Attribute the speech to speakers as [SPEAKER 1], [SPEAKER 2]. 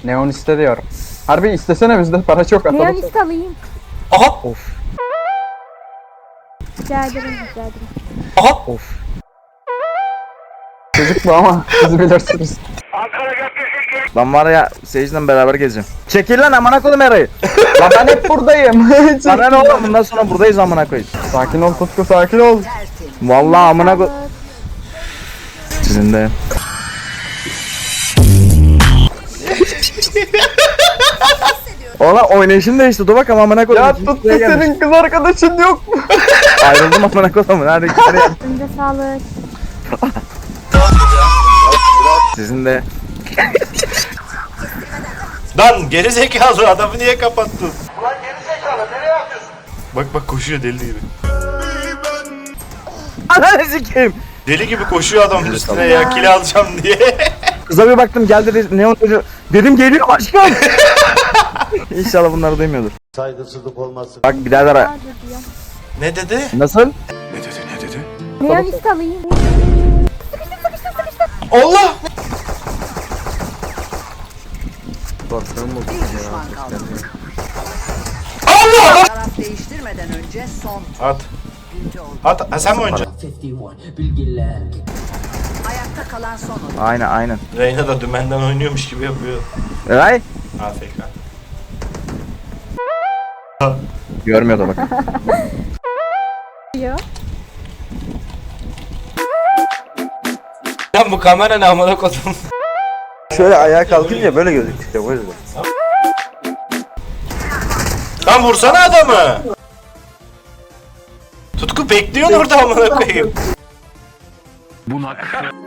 [SPEAKER 1] Neon iste diyorum. Harbi istesene, bizde para çok atalım.
[SPEAKER 2] Neon iste alayım.
[SPEAKER 3] Aha.
[SPEAKER 4] Of.
[SPEAKER 2] Rica ederim, rica ederim.
[SPEAKER 3] Aha.
[SPEAKER 4] Of.
[SPEAKER 1] Çocuk bu ama siz bilirsiniz.
[SPEAKER 4] Lan var ya Sage'le beraber gezeceğim. Çekil lan amına koydum Eray'ı.
[SPEAKER 1] Lan ben hep buradayım.
[SPEAKER 4] Sana ne oğlum, bundan sonra buradayız amına koyayım.
[SPEAKER 1] Sakin ol Tutku, sakin ol.
[SPEAKER 4] Vallahi amına koy. Sizin de. Ola oynayışım değişti. Dur bakalım amına koydum.
[SPEAKER 1] Ya
[SPEAKER 4] İkinci
[SPEAKER 1] Tutku,
[SPEAKER 4] sıraya gelmiş.
[SPEAKER 1] senin kız arkadaşın yok mu?
[SPEAKER 4] Ayrıldım amına koydum. Hadi hadi.
[SPEAKER 2] Önce sağlık.
[SPEAKER 4] Sizin de.
[SPEAKER 3] Lan geri zekalı adamı niye kapattın? Ulan geri zekalı nereye atıyorsun? Bak bak koşuyor deli gibi.
[SPEAKER 4] Ananı sikeyim.
[SPEAKER 3] Deli gibi koşuyor adamın üstüne ya kill alacağım diye.
[SPEAKER 4] Kıza bir baktım, geldi dedi Neon dedi. Dedim geliyor aşkım. İnşallah bunları duymuyordur.
[SPEAKER 5] Saygısızlık olmasın.
[SPEAKER 4] Bak birader.
[SPEAKER 2] Hadi diyorum.
[SPEAKER 3] Ne dedi?
[SPEAKER 4] Nasıl?
[SPEAKER 3] Ne dedi ne dedi?
[SPEAKER 2] Neon iste alayım.
[SPEAKER 3] Allah! Allah!
[SPEAKER 6] Taraf değiştirmeden önce son
[SPEAKER 3] At.
[SPEAKER 6] güncü oldu.
[SPEAKER 3] At. Ha, sen mi oynayacaksın?
[SPEAKER 6] Ayakta kalan son oyun.
[SPEAKER 4] Aynen aynen.
[SPEAKER 3] Reyna da dümenden oynuyormuş gibi yapıyor.
[SPEAKER 4] Eray.
[SPEAKER 3] AFK.
[SPEAKER 4] Görmüyordu bak.
[SPEAKER 2] Diyor.
[SPEAKER 3] Lan bu kamera ne amına kodum?
[SPEAKER 4] Şöyle ayağa kalkınca böyle gözüküyor o yüzden.
[SPEAKER 3] Lan vursana adamı. Tutku bekliyorsun orada amına koyayım.